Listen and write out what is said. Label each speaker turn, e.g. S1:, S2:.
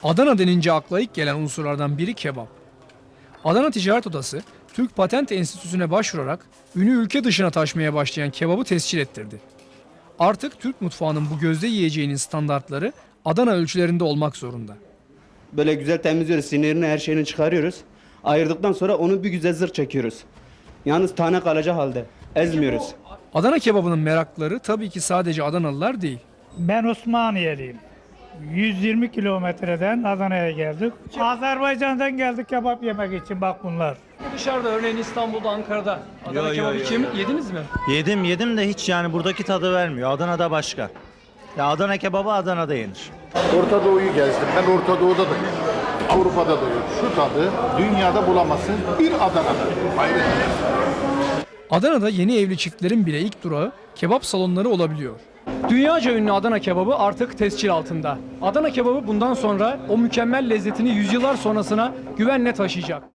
S1: Adana denince akla ilk gelen unsurlardan biri kebap. Adana Ticaret Odası, Türk Patent Enstitüsü'ne başvurarak ünü ülke dışına taşmaya başlayan kebabı tescil ettirdi. Artık Türk mutfağının bu gözde yiyeceğinin standartları Adana ölçülerinde olmak zorunda.
S2: Böyle güzel temizliyoruz, sinirini her şeyini çıkarıyoruz. Ayırdıktan sonra onu bir güzel zırh çekiyoruz. Yalnız tane kalacak halde, ezmiyoruz.
S1: Adana kebabının meraklıları tabii ki sadece Adanalılar değil.
S3: Ben Osmaniyeliyim. 120 kilometreden Adana'ya geldik. Azerbaycan'dan geldik kebap yemek için bak bunlar.
S1: Dışarıda örneğin İstanbul'da, Ankara'da Adana kebabı yediniz mi?
S4: Yedim de hiç yani buradaki tadı vermiyor. Adana'da başka. Ya Adana kebabı Adana'da yenir.
S5: Orta Doğu'yu gezdim. Ben Orta Doğu'da da yedim. Avrupa'da da yok. Şu tadı dünyada bulamazsın. Bir Adana'da. Hayret.
S1: Adana'da yeni evli çiftlerin bile ilk durağı kebap salonları olabiliyor. Dünyaca ünlü Adana kebabı artık tescil altında. Adana kebabı bundan sonra o mükemmel lezzetini yüzyıllar sonrasına güvenle taşıyacak.